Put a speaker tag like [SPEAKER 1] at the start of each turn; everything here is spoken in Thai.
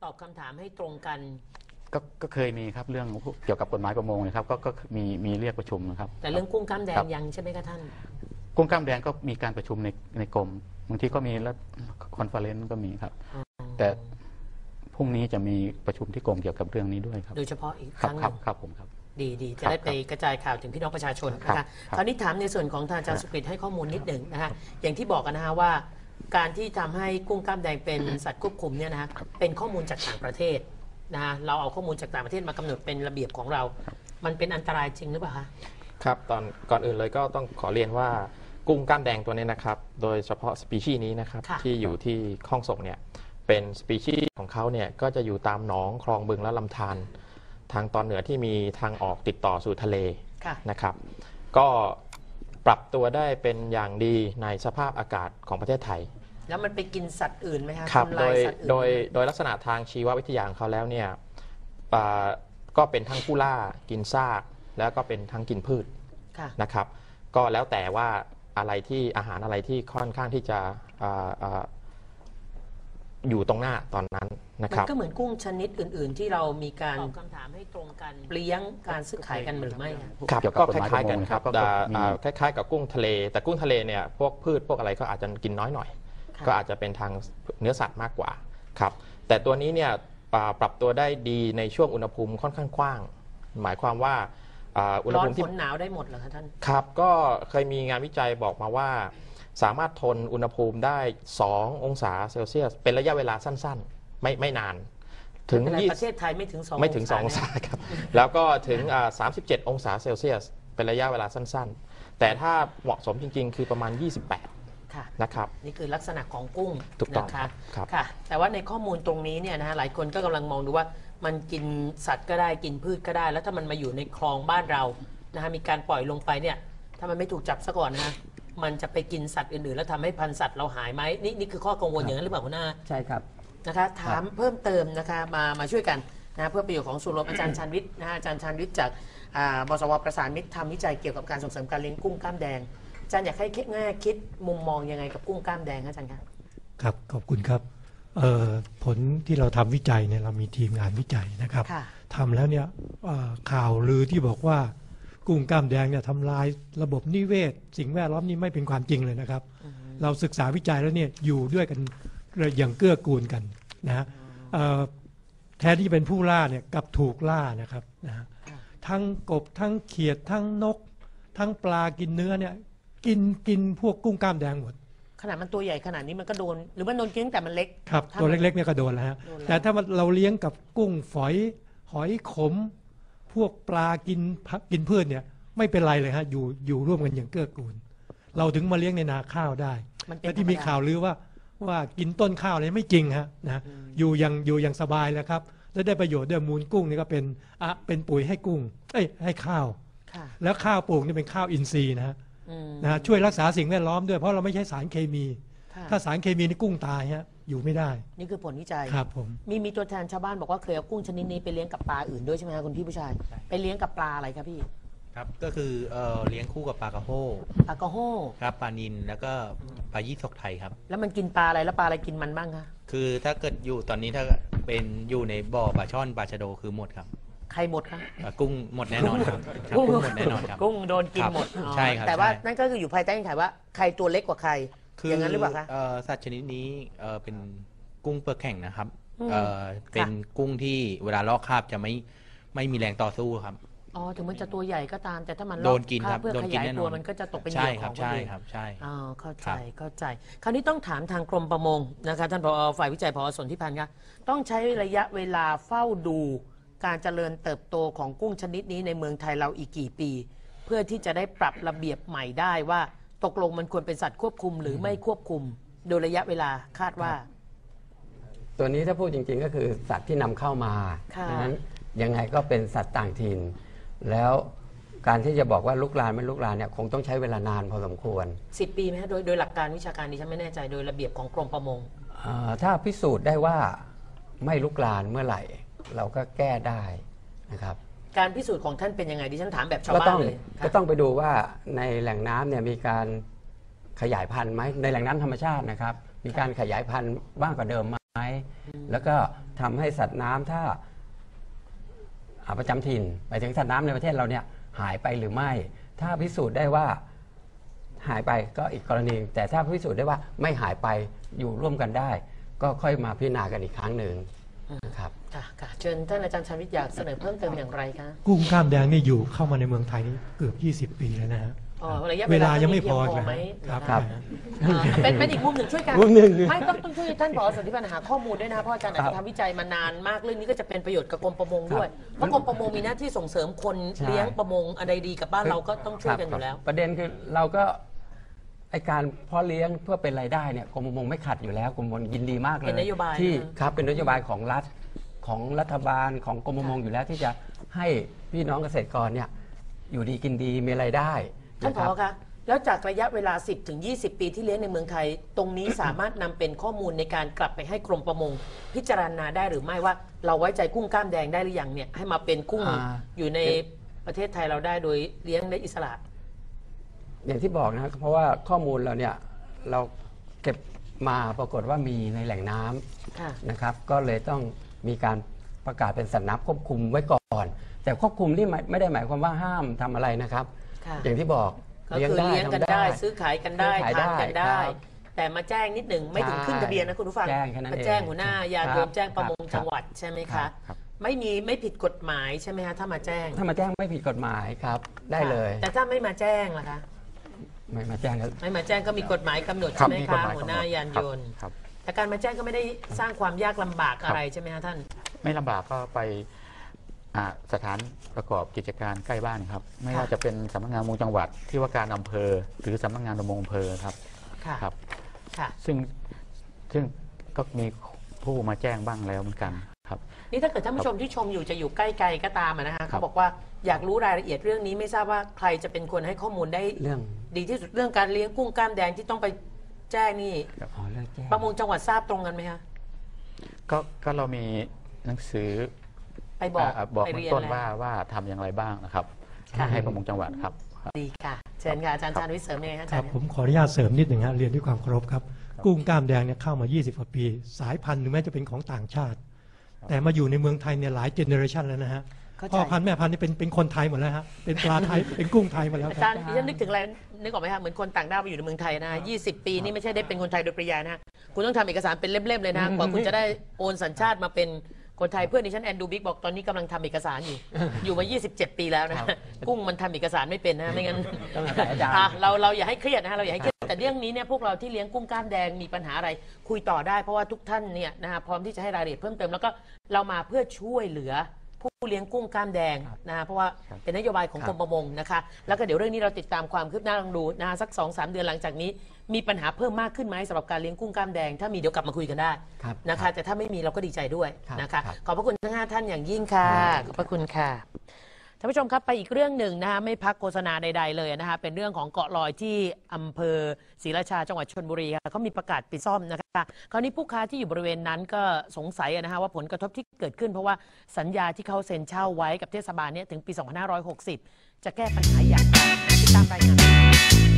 [SPEAKER 1] ตอบคำถามให้ตรงกัน
[SPEAKER 2] ก็เคยมีครับเรื่องเกี่ยวกับกฎหมายประมงนะครับก็มีเรียกประชุมนะครับ
[SPEAKER 1] แต่เรื่องกุ้งกล้ามแดงยังใช่ไหมคะท่าน
[SPEAKER 2] กุ้งกล้ามแดงก็มีการประชุมในกรมบางทีก็มีแล้วคอนเฟอเรนซ์ก็มีครับแต่พรุ่งนี้จะมีประชุมที่กรมเกี่ยวกับเรื่องนี้ด้วยครับ
[SPEAKER 1] โดยเฉพาะอีกครั้งนึง
[SPEAKER 2] ครับผมครับ
[SPEAKER 1] ดีจะได้ไปกระจายข่าวถึงพี่น้องประชาชนนะคะคราวนี้ถามในส่วนของทางอาจารย์สุกฤตให้ข้อมูลนิดหนึ่งนะคะอย่างที่บอกกันนะคะว่าการที่ทำให้กุ้งกล้ามแดงเป็นสัตว์ควบคุมเนี่ยนะคะเป็นข้อมูลจากต่างประเทศนะเราเอาข้อมูลจากต่างประเทศมากำหนดเป็นระเบียบของเรามันเป็นอันตรายจริงหรือเปล่าคะ
[SPEAKER 3] ครับก่อนอื่นเลยก็ต้องขอเรียนว่ากุ้งกล้ามแดงตัวนี้นะครับโดยเฉพาะสปีชีส์นี้นะครับที่อยู่ที่คลองส่งเนี่ยเป็นสปีชีส์ของเขาเนี่ยก็จะอยู่ตามหนองคลองบึงและลำธารทางตอนเหนือที่มีทางออกติดต่อสู่ทะเลนะครับก็ปรับตัวได้เป็นอย่างดีในสภาพอากาศของประเทศไทย
[SPEAKER 1] แล้วมันไปกินสัตว์อื่นไหมคะ
[SPEAKER 3] ครับโดยลักษณะทางชีววิทยาของเขาแล้วเนี่ยก็เป็นทั้งผู้ล่ากินซากแล้วก็เป็นทั้งกินพืชนะครับก็แล้วแต่ว่าอะไรที่อาหารอะไรที่ค่อนข้างที่จะอยู่ตรงหน้าตอนนั้นนะครับ
[SPEAKER 1] มันก็เหมือนกุ้งชนิดอื่นๆที่เรามีการตอบคำถามให้ตรงกันเลี้ยงการซื้อขายกันหรือไม่
[SPEAKER 3] ครับก็คล้ายๆกันครับคล้ายๆกับกุ้งทะเลแต่กุ้งทะเลเนี่ยพวกพืชพวกอะไรก็อาจจะกินน้อยหน่อยก็อาจจะเป็นทางเนื้อสัตว์มากกว่าครับแต่ตัวนี้เนี่ยปรับตัวได้ดีในช่วงอุณหภูมิค่อนข้างกว้างหมายความว่า
[SPEAKER 1] อุณหภูมิที่ร้อนฝนหนาวได้หมดเหรอคะท่าน
[SPEAKER 3] ครับก็เคยมีงานวิจัยบอกมาว่าสามารถทนอุณหภูมิได้2 องศาเซลเซียสเป็นระยะเวลาสั้นๆไม่นาน
[SPEAKER 1] ถึงประเทศไทยไม่ถึง2
[SPEAKER 3] องศาครับแล้วก็ถึง37 องศาเซลเซียสเป็นระยะเวลาสั้นๆแต่ถ้าเหมาะสมจริงๆคือประมาณ28นะครับ
[SPEAKER 1] นี่คือลักษณะของกุ้ง
[SPEAKER 3] ถูกต้อง
[SPEAKER 1] นะคะค่ะแต่ว่าในข้อมูลตรงนี้เนี่ยนะหลายคนก็กำลังมองดูว่ามันกินสัตว์ก็ได้กินพืชก็ได้แล้วถ้ามันมาอยู่ในคลองบ้านเรานะฮะมีการปล่อยลงไปเนี่ยถ้ามันไม่ถูกจับซะก่อนนะฮะมันจะไปกินสัตว์อื่นๆแล้วทำให้พันธุ์สัตว์เราหายไหมนี่คือข้อกังวลอย่างนั้นหรือเปล่าคุณน้า
[SPEAKER 4] ใช่ครับ
[SPEAKER 1] นะคะถามเพิ่มเติมนะคะมาช่วยกันนะเพื่อประโยชน์ของส่วนรวมอาจารย์ชาญวิทย์นะฮะอาจารย์ชาญวิทย์จากบสว.ประสานมิตรทำวิจัยเกี่ยวกับการส่งเสริมการเลี้ยงกุ้งกล้ามแดงอาจารย์อยากให้คิดมุมมองยังไงกับกุ้งกล้ามแดงอาจารย์
[SPEAKER 5] ครับขอบคุณครับผลที่เราทำวิจัยเนี่ยเรามีทีมงานวิจัยนะครับทำแล้วเนี่ยข่าวลือที่บอกว่ากุ้งกล้ามแดงเนี่ยทำลายระบบนิเวศสิ่งแวดล้อมนี่ไม่เป็นความจริงเลยนะครับเราศึกษาวิจัยแล้วเนี่ยอยู่ด้วยกันอย่างเกื้อกูลกันนะแทนที่จะเป็นผู้ล่าเนี่ยกับถูกล่านะครับนะทั้งกบทั้งเขียดทั้งนกทั้งปลากินเนื้อเนี่ยกินพวกกุ้งกล้ามแดงหมด
[SPEAKER 1] ขนาดมันตัวใหญ่ขนาดนี้มันก็โดนหรือมันโดนกินแต่มันเล็ก
[SPEAKER 5] ครับตัวเล็กๆเนี่ยก็โดนแล้วฮะแต่ถ้าเราเลี้ยงกับกุ้งฝอยหอยขมพวกปลากินพืชเนี่ยไม่เป็นไรเลยฮะอยู่ร่วมกันอย่างเกื้อกูลเราถึงมาเลี้ยงในนาข้าวได้แต่ที่มีข่าวลือว่ากินต้นข้าวเลยไม่จริงฮะนะอยู่อย่างสบายแล้วครับและได้ประโยชน์ด้วยมูลกุ้งนี่ก็เป็นปุ๋ยให้กุ้งให้ข้าวแล้วข้าวปลูกนี่เป็นข้าวอินทรีย์นะฮะช่วยรักษาสิ่งแวดล้อมด้วยเพราะเราไม่ใช้สารเคมีถ้าสารเคมีนี่กุ้งตายฮะอยู่ไม่ได้
[SPEAKER 1] นี่คือผลวิจัย
[SPEAKER 5] ครับผม
[SPEAKER 1] มีตัวแทนชาวบ้านบอกว่าเคยเอากุ้งชนิดนี้ไปเลี้ยงกับปลาอื่นด้วยใช่ไหมครับคุณพี่ผู้ชายไปเลี้ยงกับปลาอะไรครับพี่
[SPEAKER 6] ครับก็คือเลี้ยงคู่กับปลากระโห้ครับปลานิลแล้วก็ปลายี่สกไทยครับ
[SPEAKER 1] แล้วมันกินปลาอะไรแล้วปลาอะไรกินมันบ้างคะ
[SPEAKER 6] คือถ้าเกิดอยู่ตอนนี้ถ้าเป็นอยู่ในบ่อปลาช่อนปลาชะโดคือหมดครับ
[SPEAKER 1] ใครหมดครับ
[SPEAKER 6] กุ้งหมดแน่นอนครับกุ้งหมดแน่นอนครับ
[SPEAKER 1] กุ้งโดนกินหมด
[SPEAKER 6] ใช่ครับ
[SPEAKER 1] แต่ว่านั่นก็คืออยู่ภายใต้เงื่อนไขว่าใครตัวเล็กกว่าใครอย่างนั้นหรือเปล่าคะ
[SPEAKER 6] สัตว์ชนิดนี้เป็นกุ้งเปลือกแข็งนะครับเป็นกุ้งที่เวลาลอกคราบจะไม่มีแรงต่อสู้ครับ
[SPEAKER 1] ถึงมันจะตัวใหญ่ก็ตามแต่ถ้ามัน
[SPEAKER 6] โดนกินครับ
[SPEAKER 1] เพื่อขยายตัวมันก็จะตกเป็นเหยื่อของคนอื่น
[SPEAKER 6] ใช่
[SPEAKER 1] เข้าใจคราวนี้ต้องถามทางกรมประมงนะคะท่านผอ.ฝ่ายวิจัยผอ.สนธิพันธ์คะต้องใช้ระยะเวลาเฝ้าดูการเจริญเติบโตของกุ้งชนิดนี้ในเมืองไทยเราอีกกี่ปีเพื่อที่จะได้ปรับระเบียบใหม่ได้ว่าตกลงมันควรเป็นสัตว์ควบคุมหรือไม่ควบคุมโดยระยะเวลาคาดว่า
[SPEAKER 4] ตัวนี้ถ้าพูดจริงๆก็คือสัตว์ที่นำเข้ามาดังนั้นยังไงก็เป็นสัตว์ต่างถิ่นแล้วการที่จะบอกว่าลุกลานไม่ลุกลานเนี่ยคงต้องใช้เวลานานพอสมควร
[SPEAKER 1] 10 ปีไหมครับโดยหลักการวิชาการดิฉันไม่แน่ใจโดยระเบียบของกรมประมง
[SPEAKER 4] ถ้าพิสูจน์ได้ว่าไม่ลุกลานเมื่อไหร่เราก็แก้ได้นะครับ
[SPEAKER 1] การพิสูจน์ของท่านเป็นยังไงดิฉันถามแบบชาวบ้านเลย
[SPEAKER 4] ก็ต้องไปดูว่าในแหล่งน้ำเนี่ยมีการขยายพันธุ์ไหมในแหล่งน้ำธรรมชาตินะครับมีการขยายพันธุ์มากกว่าเดิมไหมแล้วก็ทำให้สัตว์น้ำถ้าประจำถิ่นหมายถึงสัตว์น้ำในประเทศเราเนี่ยหายไปหรือไม่ ถ้าพิสูจน์ได้ว่าหายไปก็อีกกรณีแต่ถ้าพิสูจน์ได้ว่าไม่หายไปอยู่ร่วมกันได้ ก็ค่อยมาพิจารณากันอีกครั้งหนึ่งนะครับ
[SPEAKER 1] ค่ะเชิญท่านอาจารย์ชาญวิทย์อยากเสนอเพิ่มเติมอย่างไรคะ
[SPEAKER 5] กุ้งกล้ามแดงนี่อยู่เข้ามาในเมืองไทยนี่เกือบ 20 ปีแล้วนะฮะเวลายังไม่พอ
[SPEAKER 1] ไหม
[SPEAKER 5] ครับ
[SPEAKER 1] เป็นอีกมุมหนึ่งช่วยกันไม่ต้องช่วยท่านผอ.สนธิพันธ์หาข้อมูลด้วยนะเพราะอาจารย์อาจจะทำวิจัยมานานมากเรื่องนี้ก็จะเป็นประโยชน์กับกรมประมงด้วยเพราะกรมประมงมีหน้าที่ส่งเสริมคนเลี้ยงประมงอะไรดีกับบ้านเราก็ต้องช่วยกันอยู่แล้ว
[SPEAKER 4] ประเด็นคือเราก็ไอการเพาะเลี้ยงเพื่อเป็นรายได้เนี่ยกรมประมงไม่ขัดอยู่แล้วกรมประมงยินดีมากเลย
[SPEAKER 1] เป็นนโยบาย
[SPEAKER 4] ที่ครับเป็นนโยบายของรัฐของรัฐบาลของกรมประมงอยู่แล้วที่จะให้พี่น้องเกษตรกรเนี่ยอยู่ดีกินดีมีรายได้
[SPEAKER 1] ท่านผอ.คะแล้วจากระยะเวลา 10-20 ปีที่เลี้ยงในเมืองไทยตรงนี้สามารถนำเป็นข้อมูลในการกลับไปให้กรมประมงพิจารณาได้หรือไม่ว่าเราไว้ใจกุ้งกล้ามแดงได้หรือยังเนี่ยให้มาเป็นกุ้งอยู่ในประเทศไทยเราได้โดยเลี้ยงได้อิสระ
[SPEAKER 4] อย่างที่บอกนะครับเพราะว่าข้อมูลเราเนี่ยเราเก็บมาปรากฏว่ามีในแหล่งน้ำนะครับก็เลยต้องมีการประกาศเป็นสัตว์น้ำควบคุมไว้ก่อนแต่ควบคุมที่ไม่ได้หมายความว่าห้ามทำอะไรนะครับอย่างที่บอก
[SPEAKER 1] ก็คือเลี้ยงกันได้ซื้อขายกันได้ทานกันได้แต่มาแจ้งนิดหนึ่งไม่ถึงขึ้นทะเบียนนะคุณผู้ฟังมาแจ้งหัวหน้ายามแจ้งประมงจังหวัดใช่ไหมคะไม่ผิดกฎหมายใช่ไหมคะถ้ามาแจ้ง
[SPEAKER 4] ไม่ผิดกฎหมายครับได้เลย
[SPEAKER 1] แต่ถ้าไม่มาแจ้งล่ะคะ
[SPEAKER 4] ไม่มาแจ้ง
[SPEAKER 1] ก็มีกฎหมายกำหนดใช่ไหมคะหัวหน้ายานยนต์แต่การมาแจ้งก็ไม่ได้สร้างความยากลำบากอะไรใช่ไหมคะท่าน
[SPEAKER 2] ไม่ลำบากก็ไปสถานประกอบกิจการใกล้บ้านครับไม่ว่าจะเป็นสำนักงานประมงจังหวัดที่ว่าการอำเภอหรือสำนักงานประมงอำเภอครับครับซึ่งก็มีผู้มาแจ้งบ้างแล้วเหมือนกันครับ
[SPEAKER 1] นี่ถ้าเกิดท่านผู้ชมที่ชมอยู่จะอยู่ใกล้ๆก็ตามนะคะเขาบอกว่าอยากรู้รายละเอียดเรื่องนี้ไม่ทราบว่าใครจะเป็นคนให้ข้อมูลได้ดีที่สุดเรื่องการเลี้ยงกุ้งกล้ามแดงที่ต้องไปแจ้งนี่ประมงจังหวัดทราบตรงกันไหมคะ
[SPEAKER 2] ก็เรามีหนังสือ
[SPEAKER 1] ไปบอก
[SPEAKER 2] เบื้องต้นว่าทำอย่างไรบ้างนะครับให้ประมงจังหวัดครับ
[SPEAKER 1] ดีค่ะเชิญค่ะอาจารย์ชาญวิทย์เสริมยังไงคะอาจารย์
[SPEAKER 5] ผมขออนุญาตเสริมนิดหนึ่งฮะเรียนด้วยความเคารพครับกุ้งกล้ามแดงเนี่ยเข้ามา20 กว่าปีสายพันธุ์ถึงแม้จะเป็นของต่างชาติแต่มาอยู่ในเมืองไทยเนี่ยหลายเจเนอเรชันแล้วนะฮะพ่อพันธุ์แม่พันธุ์นี่เป็นคนไทยหมดแล้วฮะเป็นปลาไทยเป็นกุ้งไทยหมดแล้ว
[SPEAKER 1] อาจารย์ดิฉันนึกถึงอะไรนึกออกไหมคะเหมือนคนต่างด้าวมาอยู่ในเมืองไทยนะ20 ปีนี่ไม่ใช่ได้เป็นคนไทยโดยปริยายนะคุณต้องทำเอกสารเป็นเล่มๆเลยนะกว่าคุณจะได้โอนสัญชาติมาเป็นคนไทยเพื่อนดิฉันแอนดูบิ๊กบอกตอนนี้กำลังทำเอกสารอยู่มา27 ปีแล้วนะกุ้งมันทำเอกสารไม่เป็นนะไม่งั้นเราอย่าให้เครียดนะเราอย่าให้เครียดแต่เรื่องนี้เนี่ยพวกเราที่เลี้ยงกุ้งกล้ามแดงมีปัญหาอะไรคุยต่อได้เพราะว่าทุกท่านเนี่ยนะพร้อมที่จะให้รายละเอียดเพิ่มเติมแล้วก็เรามาเพื่อช่วยเหลือผู้เลี้ยงกุ้งกล้ามแดงนะเพราะว่าเป็นนโยบายของกรมประมงนะคะแล้วก็เดี๋ยวเรื่องนี้เราติดตามความคืบหน้าลองดูนะสัก 2-3 เดือนหลังจากนี้มีปัญหาเพิ่มมากขึ้นไหมสำหรับการเลี้ยงกุ้งกล้ามแดงถ้ามีเดี๋ยวกลับมาคุยกันได้นะคะแต่ถ้าไม่มีเราก็ดีใจด้วยนะคะขอบพระคุณทั้ง5ท่านอย่างยิ่งค่ะขอบพระคุณค่ะท่านผู้ชมครับไปอีกเรื่องหนึ่งนะคะไม่พักโฆษณาใดๆเลยนะคะเป็นเรื่องของเกาะลอยที่อำเภอศรีราชาจังหวัดชลบุรีค่ะเขามีประกาศปิดซ่อมนะคะคราวนี้ผู้ค้าที่อยู่บริเวณนั้นก็สงสัยนะคะว่าผลกระทบที่เกิดขึ้นเพราะว่าสัญญาที่เขาเซ็นเช่าไว้กับเทศบาลเนี่ยถึงปี 2560 จะแก้ปัญหาอย่างไรติดตามรายงาน